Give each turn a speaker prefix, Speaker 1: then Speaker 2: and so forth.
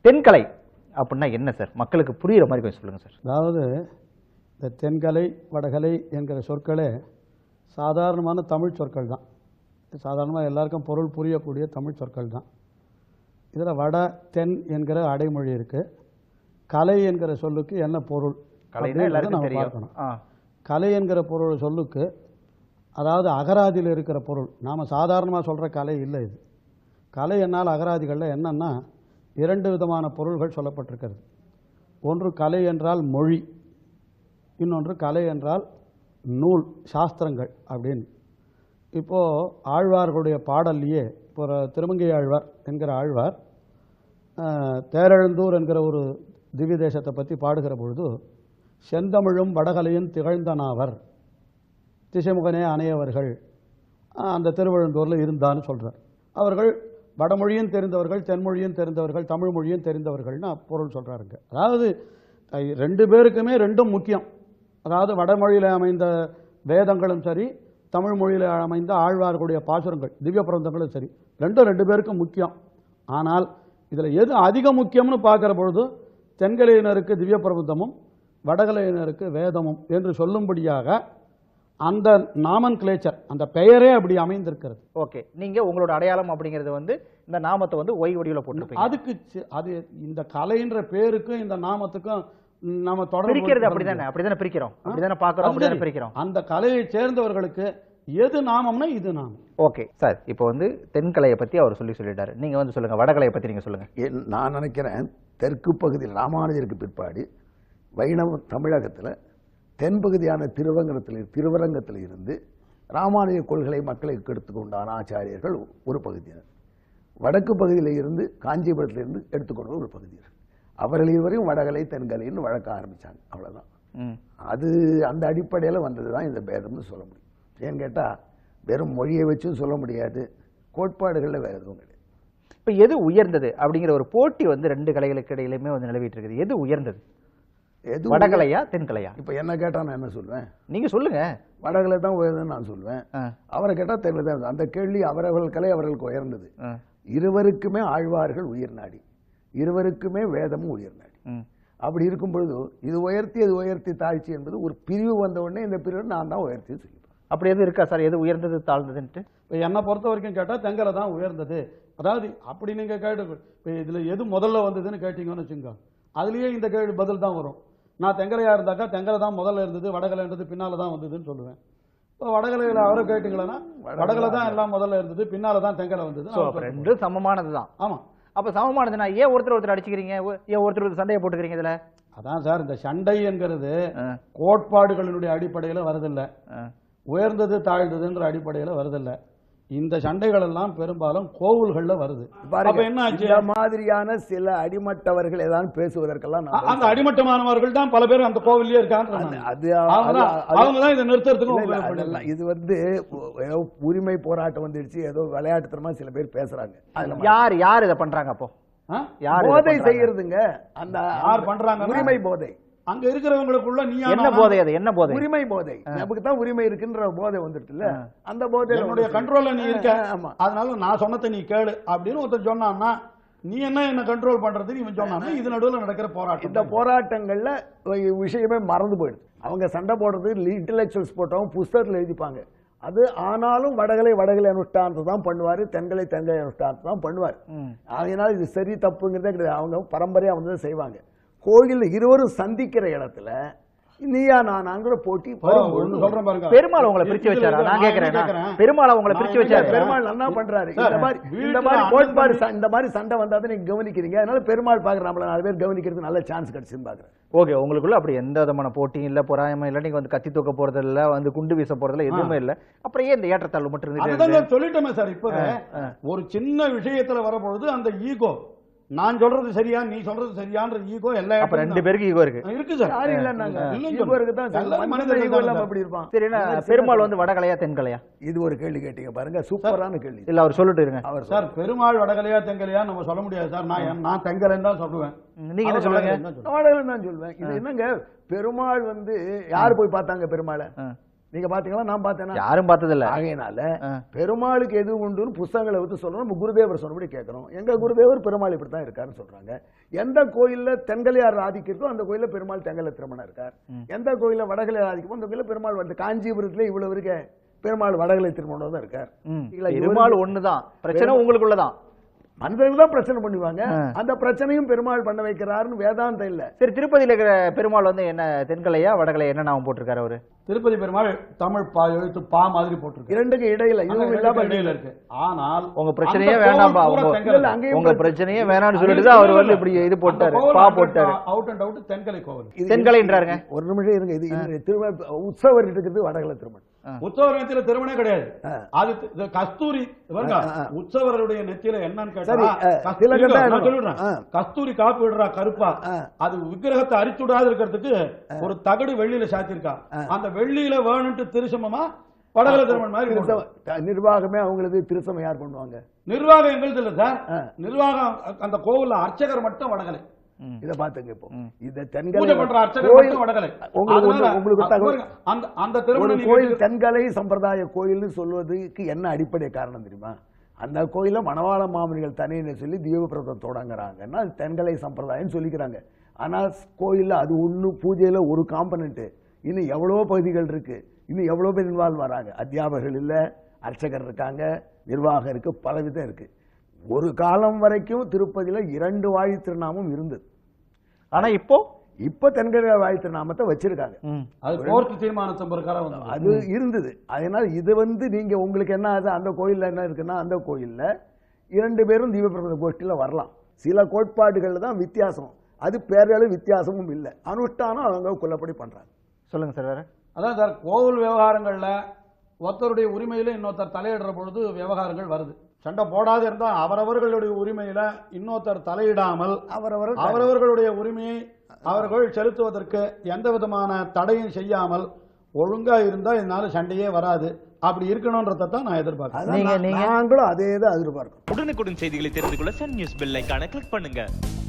Speaker 1: தென்கலை அப்படின்னா என்ன சார்? மக்களுக்கு புரியுற மாதிரி கொஞ்சம் சொல்லுங்க சார்.
Speaker 2: அதாவது இந்த தென்கலை வடகலை என்கிற சொற்களே சாதாரணமான தமிழ் சொற்கள் தான். சாதாரணமாக எல்லாருக்கும் பொருள் புரியக்கூடிய தமிழ் சொற்கள் தான். இதில் வட தென் என்கிற அடைமொழி இருக்குது. கலை என்கிற சொல்லுக்கு என்ன பொருள் நம்ம பார்க்கணும். கலை என்கிற பொருள் சொல்லுக்கு அதாவது அகராதியில் இருக்கிற பொருள். நாம் சாதாரணமாக சொல்கிற கலை இல்லை இது. கலை என்னால் அகராதிகளில் என்னன்னா 2 விதமான பொருள்கள் சொல்லப்பட்டிருக்கிறது. ஒன்று கலை என்றால் மொழி, இன்னொன்று கலை என்றால் நூல், சாஸ்திரங்கள் அப்படின்னு. இப்போது ஆழ்வார்களுடைய பாடல்லையே இப்போ திருமங்கை ஆழ்வார் என்கிற ஆழ்வார் தேரெழுந்தூர் என்கிற ஒரு திவ்ய தேசத்தை பற்றி பாடுகிற பொழுது செந்தமிழும் வடகலையும் திகழ்ந்தனாவர் திசைமுகனே அணையவர்கள் அந்த திருவழுந்தூரில் இருந்தான்னு சொல்கிறார். அவர்கள் வடமொழியும் தெரிந்தவர்கள், தென்மொழியும் தெரிந்தவர்கள், தமிழ் மொழியும் தெரிந்தவர்கள்னு பொருள் சொல்கிறாருங்க. அதாவது 2 பேருக்குமே 2ம் முக்கியம். அதாவது வடமொழியில் அமைந்த வேதங்களும் சரி, தமிழ் மொழியில் அமைந்த ஆழ்வார்களுடைய பாசுரங்கள் திவ்ய பிரபந்தங்களும் சரி, 2 பேருக்கும் முக்கியம். ஆனால் இதில் எது அதிக முக்கியம்னு பார்க்குற பொழுது தென்கலையினருக்கு திவ்ய பிரபந்தமும் வடகலையினருக்கு வேதமும் என்று சொல்லும்படியாக அந்த நாமன் கிளேச்சர், அந்த பெயரே அப்படி அமைந்திருக்கிறது.
Speaker 1: ஓகே, நீங்க உங்களோட அடையாளம் அப்படிங்கிறது வந்து இந்த நாமத்தை வந்து ஒய் வடிவில் போட்டுருப்பீங்க.
Speaker 2: அதுக்கு அது இந்த கலைன்ற பேருக்கும் இந்த நாமத்துக்கும் நம்ம தொடர்பு
Speaker 1: பிரிக்கிறது அப்படிதானே பிரிக்கிறோம், அப்படிதானே பார்க்குறோம், அப்படிதானே பிரிக்கிறோம்.
Speaker 2: அந்த கலையை சேர்ந்தவர்களுக்கு எது நாமம்னா இது நாமம்.
Speaker 1: ஓகே சார், இப்போ வந்து தென்கலையை பற்றி அவர் சொல்லிட்டாரு. நீங்கள் வந்து சொல்லுங்கள், வடகலையை பற்றி நீங்கள் சொல்லுங்கள்.
Speaker 3: நான் நினைக்கிறேன் தெற்கு பகுதியில் ராமானுஜருக்கு பிற்பாடு வைணவ தமிழகத்தில் தென்பகுதியான திருவரங்கத்தில் இருந்து ராமானுஜ கொள்கை மக்களுக்கு எடுத்துக்கொண்டான ஆச்சாரியர்கள் ஒரு பகுதியினர், வடக்கு பகுதியில் இருந்து காஞ்சிபுரத்திலிருந்து எடுத்துக்கொண்ட ஒரு பகுதியினர். அவர்கள் இருவரையும் வடகலை தென்கலைன்னு வழக்க ஆரம்பித்தாங்க. அவ்வளோதான். அது அந்த அடிப்படையில் வந்தது தான் இந்த பேதம்னு சொல்ல முடியும். ஏன்னு கேட்டால் வெறும் மொழியை வச்சும் சொல்ல முடியாது, கோட்பாடுகளில் வேறு எதுவும் கிடையாது.
Speaker 1: இப்போ எது உயர்ந்தது அப்படிங்கிற ஒரு போட்டி வந்து 2 கலைகளுக்கு இடையிலுமே வந்து நிலவிட்டு இருக்குது. எது உயர்ந்தது, வடகலையா தென்கலையா?
Speaker 3: இப்போ என்ன கேட்டால் நான் என்ன சொல்வேன்?
Speaker 1: நீங்க சொல்லுங்க.
Speaker 3: வடகலை தான் உயர்ந்ததுன்னு நான் சொல்வேன். அவரை கேட்டால் தென்கலை தான். அந்த கேள்வி அவர்கள் கலை அவர்களுக்கு உயர்ந்தது. இருவருக்குமே ஆழ்வார்கள் உயிர் நாடி, இருவருக்குமே வேதமும் உயிர் நாடி. அப்படி இருக்கும் பொழுது இது உயர்த்தி தாழ்ச்சி என்பது ஒரு பிரிவு வந்த உடனே இந்த பிரிவு நான் தான் உயர்த்தி சொல்லிப்பேன்.
Speaker 1: அப்படி எதுவும் இருக்கா சார், எது உயர்ந்தது தாழ்ந்ததுன்ட்டு?
Speaker 2: இப்போ என்னை பொறுத்த வரைக்கும் கேட்டால் தென்கலை தான் உயர்ந்தது. அதாவது அப்படி நீங்கள் கேட்டு இப்போ இதில் எது முதல்ல வந்ததுன்னு கேட்டீங்கன்னு வச்சுங்க, அதுலேயே இந்த கேள்வி பதில் தான் வரும். நான் தென்கலையாக இருந்தாக்கா தென்கலை தான் முதல்ல இருந்தது, வடகலைன்றது பின்னால் தான் வந்ததுன்னு சொல்லுவேன். இப்போ வடகலையில் அவரை கேட்டீங்களா, வடகலை தான் எல்லாம் முதல்ல இருந்தது, பின்னால் தான் தென்கலை வந்தது.
Speaker 1: 2 சமமானது தான்.
Speaker 2: ஆமாம்.
Speaker 1: அப்போ சமமானதுன்னா ஏன் ஒருத்தர் அடிச்சுக்கிறீங்க, ஏன் ஒருத்தர் சண்டையை போட்டுக்கிறீங்க? இதில்
Speaker 2: அதான் சார், இந்த சண்டை என்கிறது கோட்பாடுகளினுடைய அடிப்படையில் வருதில்லை, உயர்ந்தது தாழ்ந்ததுன்ற அடிப்படையில் வருதில்லை. இந்த சண்டைகள் எல்லாம் பெரும்பாலும் கோவில்களில் வருது.
Speaker 3: என்ன இந்த மாதிரியான சில அடிமட்டவர்கள் ஏதாவது பேசுவதற்கெல்லாம்
Speaker 2: அந்த அடிமட்டமானவர்கள் தான் பல பேர் அந்த கோவிலே இருக்காங்க. அவங்க தான் இதை நிறுத்துறதுக்கு.
Speaker 3: இது வந்து உரிமை போராட்டம் வந்துடுச்சு, ஏதோ விளையாட்டுத்தனமா சில பேர் பேசுறாங்க.
Speaker 1: யார் இதை பண்றாங்க? அப்போ
Speaker 3: போதை செய்யறதுங்க, அந்த
Speaker 2: யார் பண்றாங்க?
Speaker 3: உரிமை போதை.
Speaker 2: அங்க இருக்கிறவங்களுக்குள்ள நீ
Speaker 1: என்ன போதை? அது என்ன போதை?
Speaker 3: உரிமை போதை. நமக்கு தான் உரிமை இருக்குன்ற போதை வந்துட்டுல, அந்த போதை
Speaker 2: என்னுடைய கண்ட்ரோல்ல நீ இருக்க, அதனால நான் சொன்னதை நீ கேளு அப்படின்னு ஒருத்தர் சொன்னான்னா நீ என்ன கண்ட்ரோல் பண்றதுன்னு இவன் சொன்னான்னா இது நடுவில் நடக்கிற போராட்டம்.
Speaker 3: இந்த போராட்டங்கள்ல விஷயமே மறந்து போயிடுது. அவங்க சண்டை போடுறது இன்டெலெக்சுவல்ஸ் போட்டவங்க புஸ்தகத்தில் எழுதிப்பாங்க. அது ஆனாலும் வடகலை அனுஷ்டானத்தை தான் பண்ணுவாரு, தென்கலை அனுஷ்டானத்தை தான் பண்ணுவார். அதனால இது சரி தப்புங்கிறதே கிடையாது. அவங்க பரம்பரையா வந்து செய்வாங்க. கோயில் இருவரும் சந்திக்கிற இடத்துல நீயா நானாங்கிற போட்டி
Speaker 2: சொல்றேன் பாருங்க.
Speaker 1: பெருமாள் உங்களை பிரிச்சு வச்சாரா? நான் கேக்குறேன், பெருமாள் உங்களை பிரிச்சு வச்சாரு.
Speaker 3: பெருமாள் என்ன பண்றாரு? இந்த மாதிரி கோட்பாடு இந்த மாதிரி சண்டை வந்தாதான் நீங்க கவனிக்கிறீங்க. அதனால பெருமாள் பாக்குற நம்மள 4 பேர் கவனிக்கிறதுக்கு நல்ல சான்ஸ் கிடைச்சுன்னு பாக்குறேன்.
Speaker 1: ஓகே, உங்களுக்குள்ள அப்படி எந்த விதமான போட்டியும் இல்ல, பொறாமை இல்ல, நீங்க வந்து கத்தி தூக்க போறது இல்ல, வந்து குண்டு வீச போறதுல எதுவுமே இல்ல. அப்புறம் ஏன் இந்த ஏற்றத்தாழ்வு மட்டும் இருந்துச்சு?
Speaker 2: சொல்லிட்டோமே சார். இப்ப ஒரு சின்ன விஷயத்துல வரப்பொழுது அந்த ஈகோ, நான் சொல்றது சரியா நீ சொல்றது சரியான்ற ஈகோ எல்லா
Speaker 1: 2 பேருக்கு ஈகோ
Speaker 2: இருக்கு சார்.
Speaker 3: யாரும் இல்லன்னாங்க, ஈகோ இருக்கு தான். மனித ஈகோ இல்லாம அப்படி இருப்பான்.
Speaker 1: சரி, பெருமாள் வந்து வடகலையா தென்கலையா?
Speaker 3: இது ஒரு கேள்வி கேட்டீங்க பாருங்க, சூப்பரான கேள்வி.
Speaker 1: இல்ல அவர் சொல்லிட்டு இருங்க.
Speaker 2: அவர் சார் பெருமாள் வடகலையா தென்கலையா நம்ம சொல்ல முடியாது சார். நான் தென்கலைன்னு தான் சொல்லுவேன்.
Speaker 1: நீங்க என்ன சொல்லுங்க?
Speaker 3: வடகலைன்னு தான் சொல்லுவேன். இது என்னங்க, பெருமாள் வந்து யார் போய் பார்த்தாங்க பெருமாளை? நீங்க பாத்தீங்களா? நான் பார்த்தேன்னா
Speaker 1: யாரும் பார்த்ததில்ல.
Speaker 3: ஆகையினால பெருமாளுக்கு எது உண்டுன்னு புஸ்தகங்களை வச்சு சொல்றோம். நம்ம குருதேவர் சொன்னபடி கேட்கறோம். எங்க குருதேவர் பெருமாள் இப்படித்தான் இருக்காருன்னு சொல்றாங்க. எந்த கோயில்ல தென்கலையார் ஆதிக்கிறதோ அந்த கோயில்ல பெருமாள் தெங்கல திருமணம் இருக்கார். எந்த கோயில்ல வடகலை ஆதிக்கமோ அந்த கோயில்ல பெருமாள் வந்து காஞ்சிபுரத்துல இவ்வளவு இருக்க பெருமாள் வடகலை திருமணம் தான் இருக்கார்.
Speaker 1: பெருமாள் ஒண்ணுதான், பிரச்சனை உங்களுக்குள்ளதான்.
Speaker 3: மனிதர்கள் தான் பிரச்சனை பண்ணுவாங்க. அந்த பிரச்சனையும் பெருமாள் பண்ண வைக்கிறாருன்னு வேதாந்தம் இல்ல.
Speaker 1: சரி, திருப்பதியில இருக்கிற பெருமாள் வந்து என்ன தென்கலையா வடகலையா என்ன நாமம் போட்டிருக்காரு அவரு?
Speaker 2: திருப்பதி பெருமாள் தமிழ் எழுத்து பா மாதிரி போட்டிருக்கு.
Speaker 3: இரண்டுக்கு இடையில இதுவும் இல்லாம
Speaker 2: இடையில இருக்கு. ஆனால்
Speaker 1: உங்க பிரச்சனையே வேண்டாம்பா, உங்க பிரச்சனையே வேணாம்னு சொல்லிட்டு அவர் வந்து இப்படி இது போட்டாரு, பா போட்டாரு.
Speaker 2: அவுட் அண்ட் அவுட் தென்கலை கோவில்.
Speaker 1: தென்கலைன்றாருங்க.
Speaker 3: ஒரு நிமிஷம் இருங்க. இது திருமண உற்சவர் இருக்கிறது வடகலை திருமணம்.
Speaker 2: உற்சவர் நெத்தியில திருமணம் கிடையாது. அது கஸ்தூரி உற்சவருடைய நெத்தியில என்னன்னு கேட்டா கஸ்தூரி காப்பு விடுறா கருப்பா. அது விக்கிரகத்தை அரிச்சுடாது இருக்கிறதுக்கு ஒரு தகடு வெள்ளியில சாத்திருக்கா. அந்த வெள்ளியில வேணும்ட்டு திருசமமா வடகலை திருமணம் மாதிரி
Speaker 3: நிர்வாகமே அவங்களுக்கு திருசமம் யார் பண்ணுவாங்க?
Speaker 2: நிர்வாகம் எங்களுக்கு இல்ல சார். நிர்வாகம் அந்த கோவில்ல அர்ச்சகர் மட்டும் வடகலை.
Speaker 3: இத பாத்துங்க. இப்போ இந்த
Speaker 2: தென்கலை பண்ற அர்ச்சகர் மட்டும் வடகலை.
Speaker 3: உங்களுக்கு தகவல்
Speaker 2: அந்த திருமணம்
Speaker 3: கோயில் தென்கலை சம்பிரதாய கோயில்னு சொல்வதற்கு என்ன அடிப்படை காரணம் தெரியுமா? அந்த கோயில மணவாள மாமனிகள் தனியை சொல்லி தீபபிரதம் தொடங்குறாங்கன்னா அது தென்கலை சம்பிரதாயம் சொல்லிக்கிறாங்க. ஆனா கோயில்ல அது ஒண்ணு பூஜையில ஒரு காம்பனன்ட். இன்னும் எவ்வளவோ பகுதிகள் இருக்கு. இன்னும் எவ்வளவு பேர் இன்வால்வ் வராங்க. அத்தியாபகர்கள் இல்ல, அர்ச்சகர் இருக்காங்க, நிர்வாகம் இருக்கு, பலவிதம் இருக்கு. ஒரு காலம் வரைக்கும் திருப்பதியில 2 வாழி திருநாமம் இருந்தது.
Speaker 1: ஆனா இப்போ
Speaker 3: தென்கலை வாழி திருநாமத்தை வச்சிருக்காங்க. அது இருந்தது. அதனால இது வந்து நீங்க உங்களுக்கு என்ன ஆகுது? அந்த கோயில்ல என்ன இருக்குன்னா அந்த கோயில்ல 2 பேரும் தீபபிரபந்த கோஷ்டியில வரலாம். சில கோட்பாடுகள்ல தான் வித்தியாசம். அது பேரளவு வித்தியாசமும் இல்லை. அனுஷ்டானம் அவங்க கொல்லப்படி பண்றாங்க.
Speaker 1: சொல்லுங்க சார். வேற
Speaker 2: அதான் சார், கோவில் விவகாரங்கள்ல ஒருத்தருடைய உரிமையில இன்னொருத்தர் தலையிடுற பொழுது விவகாரங்கள் வருது. சண்டை போடாது இருந்தா அவரவர்களுடைய உரிமையில இன்னொருத்தர் தலையிடாமல் அவரவர்களுடைய உரிமையை அவர்கள் செலுத்துவதற்கு எந்த விதமான தடையும் செய்யாமல் ஒழுங்கா இருந்தா இதனால சண்டையே வராது. அப்படி இருக்கணும்ன்றதை தான் நான் எதிர்பார்க்கிறேன்.
Speaker 3: நாங்களும் அதே தான் எதிர்பார்க்கிறோம்.
Speaker 4: உடனுக்குடன் செய்திகளை தெரிந்து கொள்ள சன் நியூஸ் பெல் ஐகானை கிளிக் பண்ணுங்க.